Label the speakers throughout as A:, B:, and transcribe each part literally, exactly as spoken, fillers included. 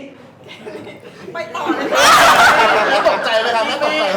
A: ไปต่อเลย
B: ไม่ตกใจไหมครับไม่ตกใจ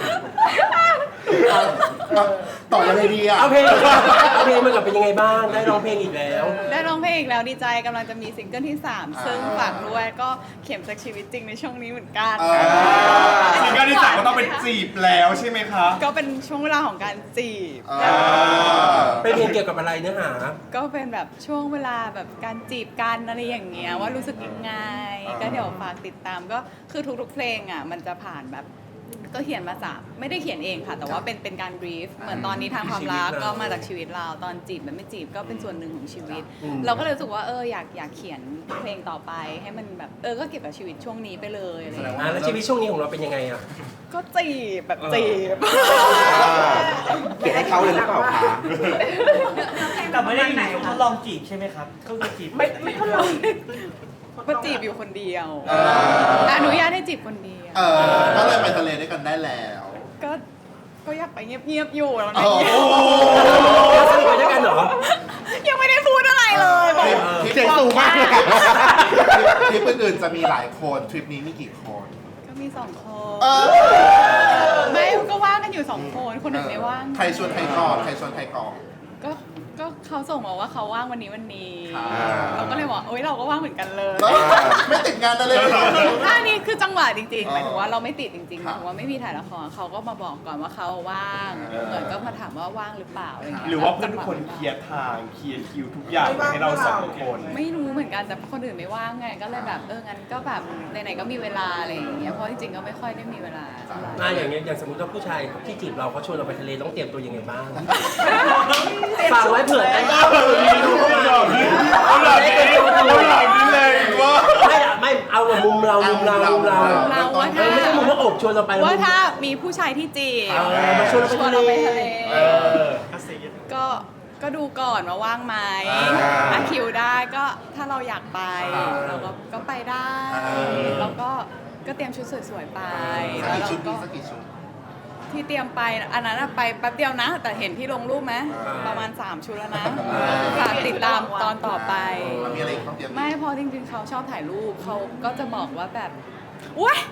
B: ต่อยังไงดีอ่ะ
C: เอาเพลงเอาเพลงมันกับเป็นยังไงบ้างได้ร้องเพลงอีกแล้ว
A: ได้ร้องเพลงอีกแล้วดีใจกำลังจะมีซิงเกิลที่สามซึ่งฝากด้วยก็เข็มจากชีวิตจริงในช่วงนี้เหมือนกัน
D: ซิงเกิลที่สามก็ต้องเป็นจีบแล้วใช่ไหมคะ
A: ก็เป็นช่วงเวลาของการจีบ
C: เป็นเพลงเกี่ยวกับอะไรเนื้อหา
A: ก็เป็นแบบช่วงเวลาแบบการจีบกันอะไรอย่างเงี้ยว่ารู้สึกยังไงก็เดี๋ยวฝากติดตามก็คือทุกๆเพลงอ่ะมันจะผ่านแบบก็เขียนมาจากไม่ได้เขียนเองค่ะ แต่ว่าเป็นเป็นการบรีฟเหมือนตอนนี้ทางความรักก็มาจากชีวิตเราตอนจีบแบบไม่จีบก็เป็นส่วนหนึ่งของชีวิต เราก็เลยรู้สึกว่าเอออยากอยากเขียนเพลงต่อไปให้มันแบบเออก็เก็บกับชีวิตช่วงนี้ไปเลยอะไรอย่างเงี้ย
C: อ่ะแล้วชีวิตช่วงนี้ของเราเป็นยังไงอ่ะ
A: ก็จีบแบบจีบ
B: เขียนให้เขาเลยหรือเปล่าคะ
E: แต่ไม่ได้อยู่ในทดลองจีบใช่ไหมครับก็คือจีบไม่ไม่ทดลอง
A: ก็จีบอยู่คนเดียว
B: เออ
A: อนุญาตให้จีบคนเดียว
B: เออก็เลยไปทะเลด้วยกันได้แล้ว
A: ก็ก็อยากไปเงียบๆอยู่แล้ว
B: โอ้
A: นะ
B: โห
C: แล้วสนิทไปด้วยกันเหรอ
A: ยังไม่ได้พูดอะไรเลยบอก
B: ทริปเสียงสูงมากเลยทริปอื่นๆจะมีหลายคนทริปนี้มีกี่คน
A: ก็มีสองคน
B: เออ
A: ไม่ก็ว่างกันอยู่สองคนคนหนึ่งไม่ว่าง
B: ใครชวนใครก่อนใครชวนใครก่อน
A: ก็ก็เขาส่งมาว่าเขาว่างวันนี้วันนี้
B: อ่า
A: เราก็เลยบอกโอ๊ยเราก็ว่างเหมือนกันเลย
B: เออไม่ติดงานได้เลยเหรอ
A: อันนี้คือจังหวะจริงๆหมายถึงว่าเราไม่ติดจริงๆห
B: ครั
A: มา
B: บ
A: ยถึงว่าไม่มีถ่ายละครเขาก็มาบอกก่อนว่าเขาว่าง
B: เออ
A: เหมือนก็มาถามว่าว่างหรือเปล่าอะไรอย่างเงี้ย
D: หรือว่าเพื่อนทุกคนเคลียร์ทางเคลียร์คิวทุกอย่างให้เราสองคน
A: ไม่รู้เหมือนกันแต่คนอื่นไม่ว่างไงก็เลยแบบเอองั้นก็แบบไหนๆก็มีเวลาอะไรอย่างเงี้ยเพราะจริงๆก็ไม่ค่อยได้มีเวลาเท่าไหร่
C: อ่ะอย่างเงี้ยอย่างสมมติว่าผู้ชายที่จีบเราเขาชวนเราไปทะเลต้องเตรียมตัวยังไงบ้างฝากไว้เผื่อได้ดูเข้ามา
D: เอาหลับนี้เอาหลับนี้เลยว่า
C: ไม่อะไม่เอาแบบมุมเรามุมเรามุมเรา
A: เราว่า
C: เอ
A: ถ้า
C: อไม่ใช่มุมว่าอบชวนเราไป
A: ว่าถ้ามีผู้ชายที่จีบ
C: เออมาชวนเรา
A: ชวน
C: ไป
A: เราไป
C: ทะ
A: ทะ
C: เล
A: เล
D: เออ
A: ก็ก็ดูก่อนว่าว่างไหม
B: อ่า
A: ถ้าคิวได้ก็ถ้าเราอยากไป
B: อ่า
A: เราก็ก็ไปได้
B: อ่า
A: แล้วก็ก็เตรียมชุดสวยๆไป
B: สัก
A: แล้ว
B: กี่
A: เรา
B: ชุด
A: ก็
B: มีสักกี่ชุด
A: ที่เตรียมไปอันนั้นอะไปแป๊บเดียวนะ แต่เห็นที่ลงรูปไหม
B: อ่า
A: ประมาณสามชุดแล้วนะ
B: อ่า
A: ฝากติดตามตอนต่อไป
B: มันมีอะไรอีกต้องเตรียม
A: ไม่เพอจริงๆเขาชอบถ่ายรูปเขาก็จะบอกว่าแบบอุ้ย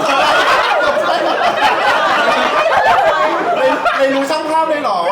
B: เลยเลยรู้ช่างภาพเลยเหรอ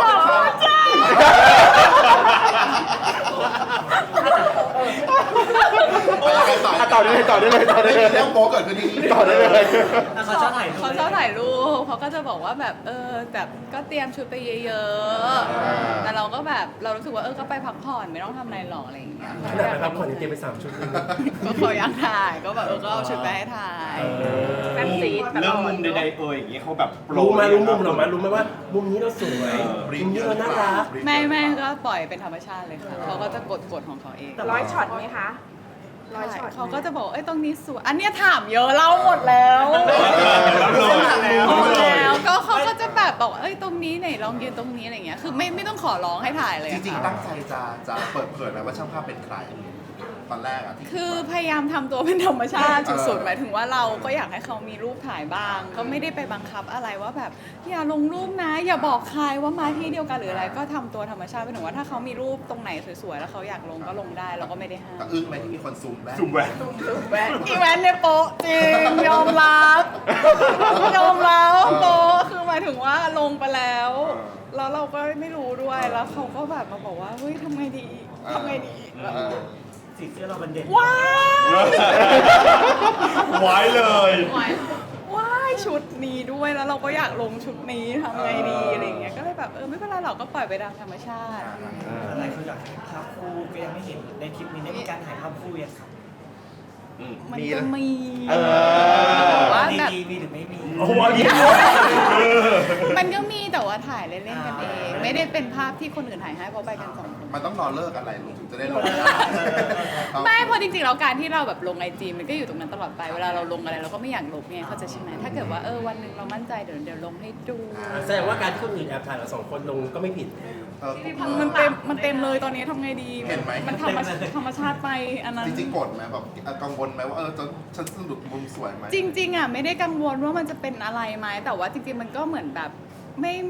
B: ไปยังไงต่อ
F: อ่ะต่อได้เลยต่อได้เลยต่อได้เลย
B: เรื่องโป๊เกิดขึ้นที่นี่
F: ต่อได้เลย
E: เขาชอบถ่ายรูป
A: เขาชอบถ่ายรูปเขาก็จะบอกว่าแบบเออแบบก็เตรียมชุดไปเยอะๆแต่เราก็แบบเรารู้สึกว่าเออก็ไปพักผ่อนไม่ต้องทำอะไรหรอกอะไรอย่างเงี้ย
C: ขนาดไปพักผ่อนยังเตรียมไปสามชุดเลย
A: ก็เขาอยากถ่ายก็แบบเออก็เอาชุดไปให้ถ่าย
D: เรื่องมุมใดๆเอ่ยอย่างเงี้ยเขาแบบโปร
C: รู้ไหมรู้มุมเราไหมรู้ไหมว่ามุมนี้เราสวยมุมนี้เราน่ารัก
A: ไม่ไม่ก็ปล่อยเป็นธรรมชาติเลยค่ะเขาก็จะกดกดของเขาเอง
G: ร้อยช็อตไหมคะร้อยช็อต
A: เขาก็จะบอกเอ้ยตรงนี้สวยอันเนี้ยถามเยอะเล่าหมดแล้วหมดแล้วก็เขาก็จะแบบบอกว่าเอ้ยตรงนี้ไหนลองยืนตรงนี้อะไรเงี้ยคือไม่ไม่ต้องขอร้องให้ถ่ายเลย
B: จ
A: อะ
B: ริง
A: ค่ะ
B: ๆตั้งใจจะจะเปิดเผยไหมว่าช่างภาพเป็นใคร ตอนแรกอ่ะที่
A: คือพยายามทำตัวเป็นธรรมชาติสุดๆหมายถึงว่าเราก็อยากให้เขามีรูปถ่ายบ้าง ก็ไม่ได้ไปบังคับอะไรว่าแบบอย่าลงรูปนะ อย่าบอกใครว่ามาที่เดียวกันหรืออะไร ก็ทำตัวธรรมชาติหมายถึงว่าถ้าเขามีรูปตรงไหนสวยๆแล้วเขาอยากลงก็ลงได้เราก็ไม่ได้ห้าม
B: แต่อึ้งไหมที่มีคนซูมแบ็ค
D: สุ่มแหวน
A: อีแวนเนี่ยโป๊ะจริงยอมรับยอมรับโป๊ะคือหมายถึงว่าลงไปแล้วแล้วเราก็ไม่รู้ด้วยแล้วเขาก็แบบมาบอกว่าเฮ้ยทำไงดีทำไงดีแบบ
B: เออ
E: สีเสื้อเรามันเด่น
A: ว้าย
D: ไว้เลย
A: ว้ายชุดนี้ด้วยแล้วเราก็อยากลงชุดนี้ทำไงดีอะไรอย่างเงี้ยก็เลยแบบเออไม่เป็นไรหรอกก็ปล่อยไปตามธรรมชาติ
E: อะไรเขาอยากถ่ายภาพคู่ก็ยังไม่เห็นในคลิปนี้ได้มีการถ่ายภาพคู่ยังครับ
A: มัน
F: มี
A: ก็
F: นะ
A: มี
F: เออ
A: แต่ว่าแบบ
E: ดีๆมีหรือไม่มี
C: โอ้โหอันนี้
A: มันก็มีแต่ว่าถ่ายเล่นๆกันเอง ไม่ได้เป็นภาพที่คนอื่นถ่ายให้เพราะไปกันสองคน
B: มันต้องรอเลิกอะไรลูกถึงจะได้ลง
A: ไม่เพราะจริงๆแล้วการที่เราแบบลงไอจีมันก็อยู่ตรงนั้นตลอดไปเวลาเราลงอะไรเราก็ไม่อยากลบไงเข้าใจใช่ไหมถ้าเกิดว่าเออวันหนึ่งเรามั่นใจเดี๋ยวเดี๋ยวลงให้ดู
C: แสดงว่าการที่คนอื่นแอบถ่ายเราสองคนลงก็ไม่ผิด
B: เออ
A: มันเต็มมันเต็มเลยตอนนี้ทำไงดี
B: เห็นไหม
A: มันธรรมชาติธรรมชาติไปอันนั้น
B: จริงๆกดไหมแบบกังวลไหมว่าเออจะฉันสนุกมุมสวยไหม
A: จริงๆอ่ะไม่ได้กังวลว่ามันจะเป็นอะไรไหมแต่ว่าจริงๆมันก็เหมือนแบบไม่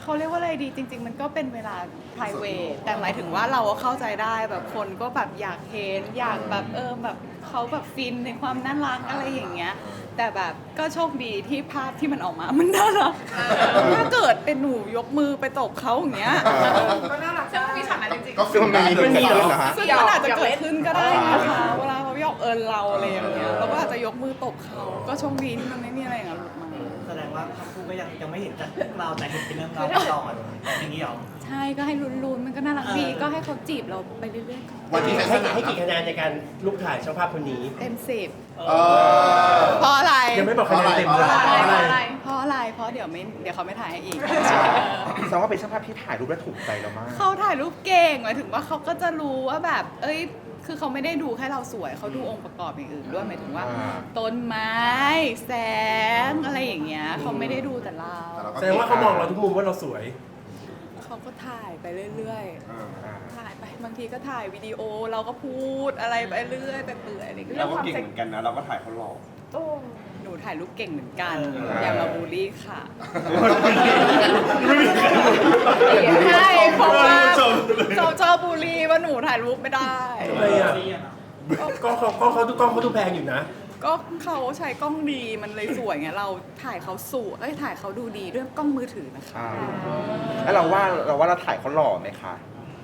A: เขาเรียกว่าอะไรดีจริง ๆ มันก็เป็นเวลา private แต่หมายถึงว่าเราก็เข้าใจได้แบบคนก็แบบอยากเห็นอยากแบบเออแบบเขาแบบฟินในความน่ารักอะไรอย่างเงี้ยแต่แบบก็โชคดีที่ภาพที่มันออกมามันน่ารักถ้าเกิดเป็นหนูยกมือไปตบเขาอย่างเงี้ย
G: ก็น่ารัก
F: ซึ่งมีฉากนั้นจริง
B: ก็ฟิลได้เลย
C: มันมีเหรอ
B: นะฮะ
A: ซึ่งมันอาจจะเกิดขึ้นก็ได้นะคะเวลาเขาหยอกเอิญเราอะไรอย่างเงี้ยเราก็อาจจะยกมือตบเขาก็โชคดีที่มันไม่มีอะไรอย่างเงี้ยหลุดมา
E: แสดงว่าทั้งคู่ก็ยังยังไม่เห็นจากเราแต่เห็นเป็นเรื่องราวต่ออย่างนี้เหรอ
A: ใช่ก็ให้ลุ้นๆมันก็น่ารักดีก็ให้เขาจีบเราไปเรื่อยๆก่อน
B: วันที่
C: ให้
B: ใช้สนาม
C: ให้กี่คะแนนในการลูกถ่ายช่างภาพคนนี้
A: เต็มสิบ
B: เออ
A: เพราะอะไร
C: ยังไม่บอกคะแนนเต็มเลย
B: เพราะอะไร
A: เพราะอะไร เพราะเดี๋ยวไม่เดี๋ยวเขาไม่ถ่ายให้อีก
H: แสดงว่าเป็นช่างภาพที่ถ่ายรูปแล้วถูกใจเรามาก
A: เขาถ่ายรูปเก่งหมายถึงว่าเขาก็จะรู้ว่าแบบ เอ้ย คือเขาไม่ได้ดูแค่เราสวยเขาดูองค์ประกอบอย่างอื่นด้วยหมายถึงว่า
H: อ่า
A: ต้นไม้ แสงอะไรอย่างเงี้ยเขาไม่ได้ดูแต่เรา
C: แสดงว่าเขามองเราทุกมุมว่าเราสวย
A: เขาก็ถ่ายไปเรื่อย
B: เออ
A: ๆ ถ่ายไปบางทีก็ถ่ายวิดีโอเราก็พูดอะไรไปเรื่อยไปเปื่อยอะไรอย่างเงี้ย
D: เราก็เก่งเหมือนกันนะ เราก็ถ่ายเขาหล่อ
G: โอ้
A: หนูถ่ายรูปเก่งเหมือนกัน
D: เออ
A: อย่ามาบูลลี่ค่ะ
D: ไม่มีใครรู้
A: ใช่เพราะว่าเขาชอบบูลลี่ว่าหนูถ่ายรูปไม่ได้
C: ทำไมอ่ะก็เขาก็เขาดูกล้องเขาดูแพงอยู่นะ
A: ก็เขาใช้กล้องดีมันเลยสวยไงเราถ่ายเขาสวยเอ้ยถ่ายเขาดูดีด้วยกล้องมือถือนะคะ
H: อ่าแล้วเราว่าเราว่าเราถ่ายเขาหล่อไหมคะ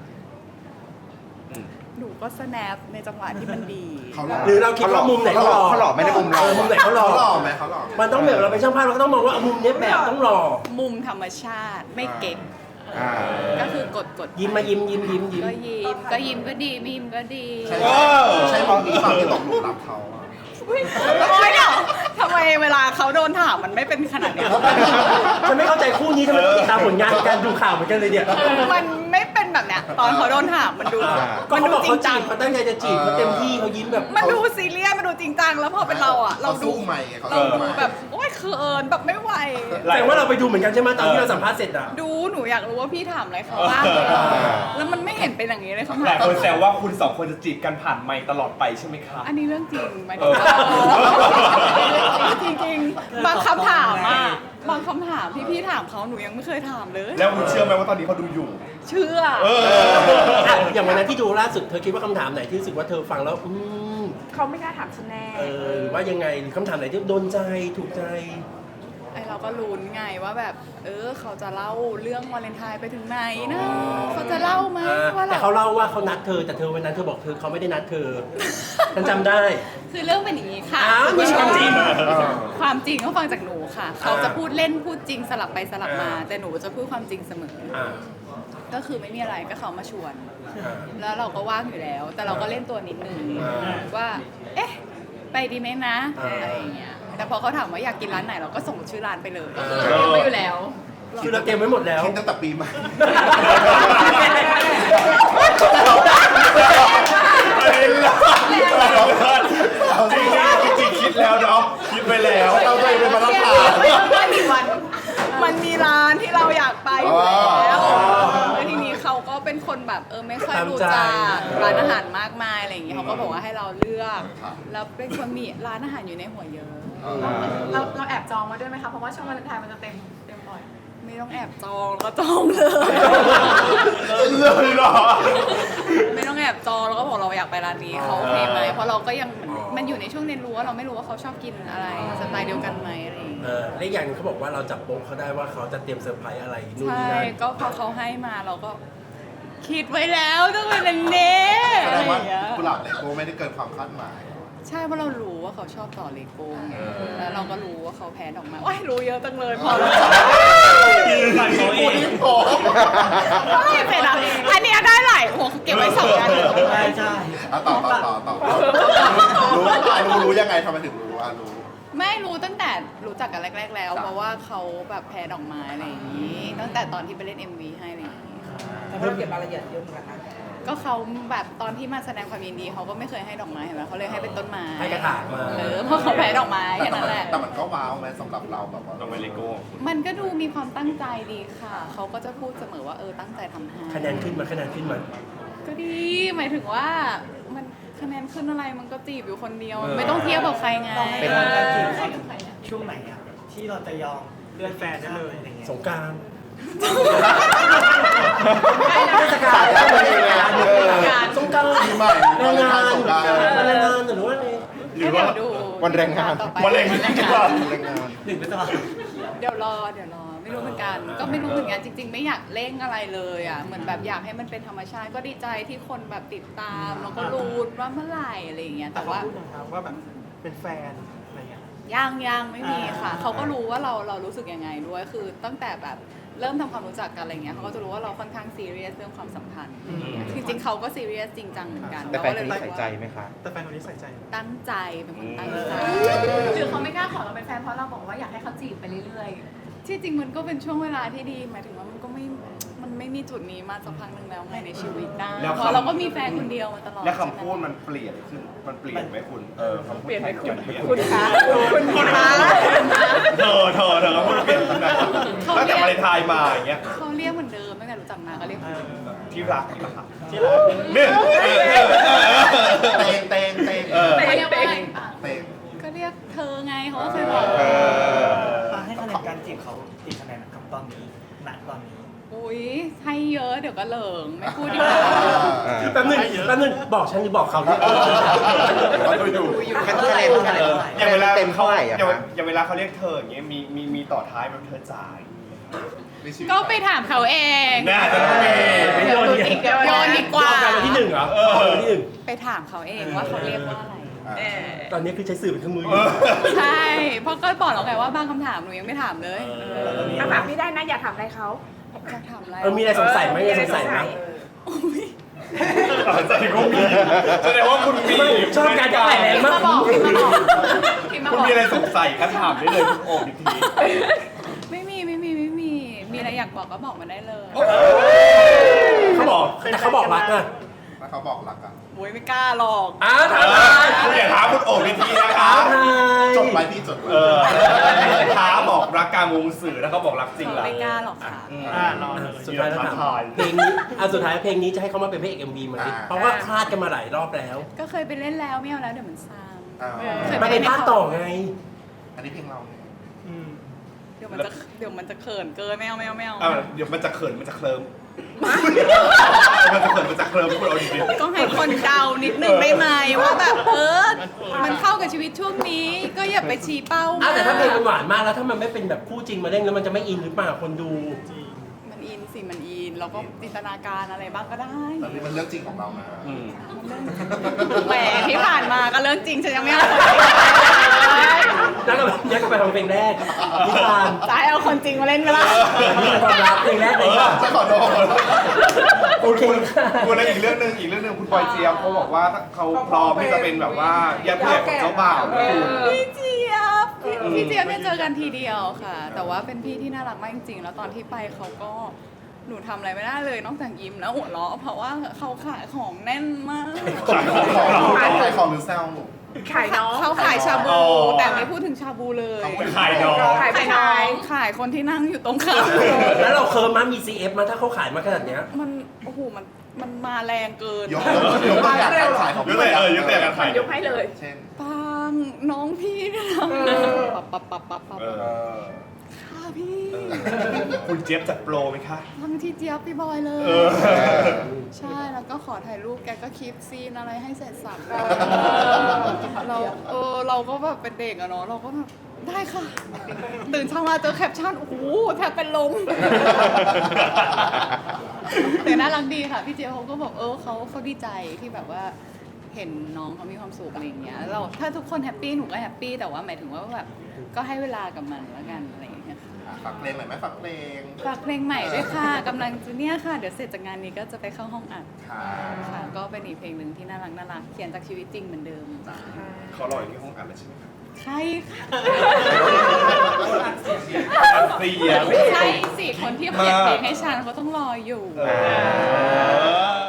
A: หนูก็สแนปในจังหวะที่มันดี
B: เขาหล่อ
C: หรือเราคิดว่ามุมไหนเขาหล่อ
H: เขาหล่อไหมในมุมเรา
C: ออมุมไหนเขาหล่อ
B: เขาหล่อไหมเขาหล่อไหม
C: มันต้องแบบเราเป็นช่างภาพเราก็ต้องมองว่ามุมเนี้ยแบบต้องหล่อ
A: มุมธรรมชาติไม่เก่ง
H: อ่า
A: ก็คือกดกด
C: ยิ้มมายิ้มยิ้มยิ้มยิ้ม
A: ก็ยิ้มก็ยิ้มก็ดีไม่ยิ้มก็ดี
B: ใช่
D: เออ
B: ใช่มุมนี้เปล่าที่ตกหลุมรักเขาอะ
A: โอ๊ยเดี๋ยวทำไมเวลาเขาโดนถามมันไม่เป็นขนาดเนี้ย
C: ฉันไม่เข้าใจคู่นี้ทำไมต้องติดตามผลงานการดูข่าวเหมือนกันเลยเนี่ย
A: มันไม่เป็นแบบเนี้ยตอนเขาโดนถามมันดู
C: ก็
A: มัน
C: เขา
A: ดู
C: บอก
A: จริ
C: เขา
A: ง
C: จี
A: จัง
C: บเขาตั้งใจจะจีบเขาเต็มที่เขายิ้มแบบ
A: มันดูซีเรียสมันดูจริงจังแล้วพอเป็นเราอ่ะ เรา
B: เขา
A: ดู
B: สู้ใหม่ไงเขา
A: เรา
B: สู้
A: ดู
B: ใหม่
A: แบบโอ๊ยเขินแบบไม่ไหว
C: แต่ว่าเราไปดูเหมือนกันใช่ไหมตอนที่เราสัมภาษณ์เสร็จอ่ะ
A: ดูหนูอยากรู้ว่าพี่ถามอะไรเขาบ้างแล้วมันไม่เห็นเป็นอย่างนี้เลยเขา
D: หลา
A: ถาย ม
D: คนแซวว่าคุณสองคนจะจีบกันผ่านไมค์ตลอดไปใช่ไหมครับ
A: อันนี้เรื่องจริงหมาย
D: เอ
A: ถึง
D: อ
A: ว่าจริงๆบางคำถามอ่ะบางคำถามที่พี่ถามเขาหนูยังไม่เคยถามเลย
D: แล้วคุณเชื่อไหมว่าตอนนี้เขาดูอยู่
A: เชื่อ
D: เออ
C: อ่ะอย่างวันนั้นที่ดูล่าสุดเธอคิดว่าคำถามไหนที่รู้สึกว่าเธอฟังแล้วอืม
G: เขาไม่กล้าถามฉันแน่
C: เออหรือว่ายังไงหรือคำถามไหนที่โดนใจถูกใจ
A: ไอเราก็ลุ้นไงว่าแบบ เออเขาจะเล่าเรื่องวาเลนไทน์ไปถึงไหนนะเขาจะเล่าไหม
C: อ่า
A: ว่า
C: แต่
A: เรา
C: เขาเล่าว่าเขานัดเธอแต่เธอวันนั้นเธอบอกเธอเขาไม่ได้นัดเธอ ฉันจำได้
A: คือเรื่องเป็นอย่างนี้ค่ะ
C: อ้าวมีความจริง
A: ความจริงเขาฟังจากหนูค่ะ เขาจะ
C: อ่า
A: พูดเล่นพูดจริงสลับไปสลับมา
C: อ่า
A: แต่หนูจะพูดความจริงเสมอ
C: อ่า
A: ก็คือไม่มีอะไรก็เขามาชวน
C: อ่า
A: แล้วเราก็ว่างอยู่แล้ว แต่เราก็เล่นตัวนิดนึง
C: อ่า
A: ว่า เอ๊ะ ไปดีไหมนะ
C: อ่า
A: อะไรอย่างเงี้ย แต่พอเขาถามว่าอยากกินร้านไหนเราก็ส่งชื่อร้านไปเลย
C: อ่า
A: เตรียมไว้อยู่แล้ว
C: คือเราเตรียมไว้หมดแล้ว
B: คิดตั้งแต่ปีใหม่
D: จริงๆจริงๆคิดแล้วเนาะคิดไปแล้ว
B: เราเคยเป็นมารับผ่าน
A: มันมีวันมันมีร้านที่เราอยากไปอยู่แล้ว
B: อ๋อ
A: แล้วทีนี้เขาก็เป็นคนแบบเออไม่ค่อยรู้
C: ตามใจ
A: จักร้านอาหารมากมายอะไรอย่างเงี้ยเขาก็บอกว่าให้เราเลือก
B: ครับ
A: แล้วเป็นคนมีร้านอาหารอยู่ในหัวเยอะ
B: เออ
F: เราเราแอบจองมาด้วยไหมคะ เพราะว่าช่วงวาเลนไทน์มันจะเต็มเต็มบ่อย
A: ไม่ต้องแอบจองแล้วก็จองเลย
D: เลยเหรอ
A: ไม่ต้องแอบจองแล้วก็บอกเราอยากไปร้านนี้เขาโอเคไหมเพราะเราก็ยังเหมือนมันอยู่ในช่วงเรียนรู้ว่าเราไม่รู้ว่าเขาชอบกินอะไรสไตล์เดียวกันไหมอะไรอย่างเงี้ย
C: เออและอีกอย่างหนึ่งเขาบอกว่าเราจับโป๊ะเขาได้ว่าเขาจะเตรียมเซอร์ไพรส์อะไรนู่น
A: ใช่
C: นี่นั่น
A: ก็พอเขาให้มาเราก็คิดไว้แล้วต้องเป็นอันเน่
B: แส
A: อะ
B: ด
A: ไรง อ
B: ว่า
A: ย่างเงี้ย
B: กุหลาบเลโก้ไม่ได้เกินความคาดหมาย
A: ใช่เพราะเรารู้ว่าเขาชอบต่อเลโก้ไงแล้วเราก็รู้ว่าเขาแพ้ดอกไม้ว้ายรู้เยอะจังเลยพอแล้ว
E: ฝันเขาเอง
A: ไม่เป็นไรอันเนี้ยได้หลายโอ้โหเก็บไว้สองอัน
E: ใช่ใช่
B: อ่ะต่อต่อต่อต่อรู้อ่ะรู้รู้ยังไงทำไมถึงรู้อ่ะรู้
A: ไม่รู้ตั้งแต่รู้จักกันแรก ๆ แล้ว เพราะว่าเขาแบบแพ้ดอกไม้อะไรอย่างนี้ ตั้งแต่ตอนที่ไปเล่น เอ็ม วี ให้อะไรอย่างนี้
G: แต่เราเก็บรายละเอียดเยอะเหมือนกันนะ
A: ก็เขาแบบตอนที่มาแสดงความยินดีเขาก็ไม่เคยให้ดอกไม้เห็นไหมเขาเลยให้เป็นต้นไม้
C: ให้กระถางมา
A: เออเพราะเขาแพ้ดอกไม้แค่นั้นแหละ
B: แต่มันก็ว้าวไหมสำหรับเราแบบว่า
D: ต้องไปเลโก้
A: มันก็ดูมีความตั้งใจดีค่ะ เขาก็จะพูดเสมอว่าเออตั้งใจทำให้
C: คะแนนขึ้นมาคะแนนขึ้นมา
A: ก็ดี หมายถึงว่ามันคะแนนขึ้นอะไรมันก็จีบอยู่คนเดียว ไม่ต้องเทียบกับใครไง
E: ต้องให้
H: เป็น
E: การจีบช่วงไหนอะที่เราจะยอมเลื่อนแฟนได้เลยอะไรเงี้ย
C: สงกราร
A: ส
C: เทศกาล
H: แล้วพอดีไงเออ
C: สงกรานต์
B: ปีใหม่
C: แรงงาน
B: สงกรานต์
C: วันแรงงานหรือว่าอะไร
D: หรือว่า
A: เดี๋ยดู
H: วันแรงงาน
A: ต่อไป
D: วันแรงงาน
H: แรงงาน
E: หนึ่งพฤษภาคม
A: เดี๋ยวรอเดี๋ยวรอไม่รู้เหมือนกัน ก็ไม่รู้เหมือนกันจริง ๆ ไม่อยากเร่งอะไรเลยอ่ะเหมือนแบบอยากให้มันเป็นธรรมชาติก็ดีใจที่คนแบบติดตามแล้วก็รู้ว่าเมื่อไหร่อะไรอย่างเงี้ยแต่ว่า
E: พูดนะครับว่าแบบเป็นแฟนอะไรเงี้ย
A: ยังยังไม่มีค่ะ เขาก็รู้ว่าเราเรารู้สึกยังไงด้วย คือตั้งแต่แบบเริ่มทำความรู้จักกันอะไรเงี้ยเขาก็จะรู้ว่าเราค่อนข้างซีเรียสเรื่องความสัมพันธ์จริงๆเขาก็ซีเรียสจริงจังเหมือนกัน
H: แต่แฟนคนนี้
A: รู้
H: ใส่
A: สึก
H: ใจ
A: ว่า
H: ไหมคะ
E: แต่แฟนคนนี้ใส่ใจ
A: ตั้งใจเป็นคนตั้งใจ
F: หรือเขาไม่กล้าขอเราเป็นแฟนเพราะเราบอกว่าอยากให้เขาจีบไปเรื่อย
A: ที่จริงมันก็เป็นช่วงเวลาที่ดีหมายถึงว่ามันก็ไม่มันไม่มีจุดนี้มาสักพักหนึ่งแล้วไงในชีวิตนะ
D: แล้ว
A: เพราะเราก็มีแฟนคนเดียวมาตลอด
D: และ
A: ใช่
D: คำ
A: ไหม
D: พูดมันเปลี่ยนขึ้น มันเปลี่ยนไหมคุณ เออคำพูดเปลี่ยนไหมคุณ
G: คุณคะคุณคะ
D: เธอเธอเธอคำพูดเปลี่ยนตรงไหนตั้งแต่วาเลนไทน์มาอย่างเงี้ย
A: เขาเรียกเหมือนเดิมตั้งแต่รู้จักมาก็เรียกเหมือนเดิม
D: ที่รักที่รักที่รักเนี่ย
B: เตงเตงเตง
D: เออ
A: เขาเรียกว่าอะไรปะ
B: เตง
A: ก็เรียกเธอไงเขาก็เคยบอก
H: เออ
E: ให้คะแนนการจีบเขากี่คะแนนกับตอนนี้ณตอนนี้
A: อุ้ยให้เยอะเดี๋ยวก็เหลิงไม่พูดดีกว่า
H: อ่า
C: แป๊บนึงแป๊บนึงบอกฉันหรือบอกเขาเนี่ย
B: เราไปดู
H: คะแนนคะแนน
D: อย่างเวลา
H: เต็มเท่าไหร่อะ
D: อย่าง
H: คะ
D: อย่างเวลาเขาเรียกเธออย่างเงี้ย มี มี มีต่อท้ายแบบเธอจ่าย
A: ก็ไปถามเขาเอง
D: น่าจะต้องมี
C: ไม่โยนอีก
A: โยนดีกว่า
C: รอบการวันที่หนึ่งเหรอรอบการวันที่หนึ่ง
A: ไปถามเขาเองว่าเขาเรียกว่าอะไร
C: ตอนนี้คือใช้สื่อเป็นเครื่องมืออยู่
A: ใช่ เพราะก็บอกแล้วไงว่าบางคำถามหนูยังไม่ถามเลย
G: คำถามพี่ได้นะอย่าถามอะไรเขา
A: จะถามอะไร
C: เออมีอะไรสงสัยไหมมีอะไรสงสัยไหม
D: แสดงว่ามีแสดงว่าคุณมี
C: ชอบการจะแหลม
A: พิมพ์
C: มาก
A: มาบอกพิมพ์มาบอกพิมพ์มา
D: คุณ
A: บอก
D: มีอะไรสงสัยก็ถามได้เลยคุณโอบอีกที
A: ไม่มีไม่มีไม่มี มีอะไรอยากบอกก็บอกมาได้เลย
C: เขาบอกแต่เขาบอกรักนะ
B: แล้วเขาบอกรักอ่ะ
A: โอ้ยไม่กล้าหรอก
C: อ้าว
D: เอ
C: ถาม
D: อคุณอย่าถามคุณโอบอีกทีนะคะ
C: ทาย
B: จดไว้พี่จดไว้
D: เออท้าบอกรักกลางวงสื่อแล้วเขาบอกรักจริงแล้ว
A: ไม่กล้าหรอกค่ะ
E: อ่ารอเลย
C: สุดท้ายแล้วถาม
D: ทาย
C: เพลงนี้อ่ะสุดท้ายเพลงนี้จะให้เขามาเป็นพระเอกเอ็มวีไหมเพราะว่าคลาดกันมาหลายรอบแล้ว
A: ก็เคยไปเล่นแล้วไม่เอาแล้วเดี๋ยวมันซ้
B: อ่า
A: ำ
C: มาเป็นภาคต่อไง
B: อันนี้เพลงเราเนี่ย
E: อืม
A: เดี๋ยวมันจะเดี๋ยวมันจะเขินเกินไม่เอาไม่เอาไม่เอา
D: อ่ะเดี๋ยวมันจะเขินมันจะเคลิ้มมันจะเขินมันจะเคลิ้มคุณเอาดี
A: ก็ให้คนเดานิดนึงได้ไหมว่าแบบเออมันเข้ากับชีวิตช่วงนี้ ก็อย่าไปชี้เป้า
C: อ้าวแต่ถ้าเพลงมันห
A: มาก
C: วานมากแล้วถ้ามันไม่เป็นแบบคู่จริงมาเล่นแล้วมันจะไม่อินหรือเปล่าคนดู
A: มันอินสิมันอินเราก็จินตนาการอะไรบ้างก็ได้
B: แต่นี่มันเรื่องจริงของเรานะ
D: ๆอืม
A: แหมที่ผ่านมาก็เรื่องจริงฉันยังไม่เอาคนจริง
C: แล้วก็ย้อนกลับไปทำเพลงแรกนิทาน
A: จะให้เอาคนจริงมาเล่นไหมล่ะ
C: นี่เป็นความรักเพลงแรกเลยค่ะ
B: จะขอโทษ
C: โอเคค่ะ
D: คุณแล้วอีกเรื่องหนึ่งอีกเรื่องหนึ่งคุณปอยเจียมเขาบอกว่าเขาพร้อมที่จะเป็นแบบว่าญาติผู้ใหญ่ของเจ้าบ่าวนะคุณ
A: พี่เจี๊ยบพี่พี่เจี๊ยบเนี่ยเจอกันทีเดียวค่ะ แต่ว่าเป็นพี่ที่น่ารักมากจริงๆ แล้วตอนที่ไปเขาก็หนูทำอะไรไม่ได้เลยนอกจากยิ้มแล้วหัวเราะเพราะว่าเขาขายของแน่นมาก
B: ขายของขายของหรือแซว
G: ขายน้อง
A: เขาขายชาบู
D: อ๋อ
A: แต่ไม่พูดถึงชาบูเลย
D: ขายน้อง
G: ขายไปน้อง
A: ขายคนที่นั่งอยู่ตรงข้าม
C: แล้วเราเคิร์มมามี ซี เอฟ มาถ้าเขาขายมาขนาดเนี้ย
A: มันโอ้โหมันมันมาแรงเกิน
B: ยกยกตัวอย่างการขายของ
D: ยกตัวอย่างเออยกตัวอย่างการขาย
G: ยกให้เลย
B: เช่น
A: ปังน้องพี่เนี่ยนะปับปับปับปับปับ
D: เอ
B: เอ
D: อ
B: อ
A: ค่ะพี่
D: คุณเจี๊ยบจัดโปรไหมคะ
A: ทำที่เจี๊ยบพี่บอยเลย
D: เออ
A: ใช่แล้วก็ขอถ่ายรูปแกก็คลิปซีนอะไรให้เสร็จสับเราเออเราก็แบบเป็นเด็กอะเนาะเราก็แบบได้ค่ะ ตื่นเช้ามาเจอแคปชั่นโอ้โหแทบเป็นลมแต่น่ารักดีค่ะพี่เจี๊ยบเขาก็บอกเออเขาเขาดีใจที่แบบว่าเห็นน้องเขามีความสุขอะไรอย่างเงี้ยเราถ้าทุกคนแฮปปี้หนูก็แฮปปี้แต่ว่าหมายถึงว่าแบบก็ให้เวลากับมันแล้วกันอะไรอย่างเงี้ยค่ะ
B: ฝากเพลงหน่อยไหมฝากเพลง
A: ฝากเพลงใหม่ด้วยค่ะกำลังจะเนี่ยค่ะ เดี๋ยวเสร็จจากงานนี้ก็จะไปเข้าห้องอัด
B: ค่ะ
A: ค่ะ ก็เป็นอีกเพลงหนึ่งที่น่ารักน่ารักเขียนจากชีวิตจริงเหมือนเดิม
D: เขารออยู่ที่ห้องอัดแล้วใช่ไหมครับ
A: ใช่ค่ะ
D: อัดเสียง
A: ใช่สิคนที่เขียนเพลงให้ฉันเขาต้องรออยู่
D: เออ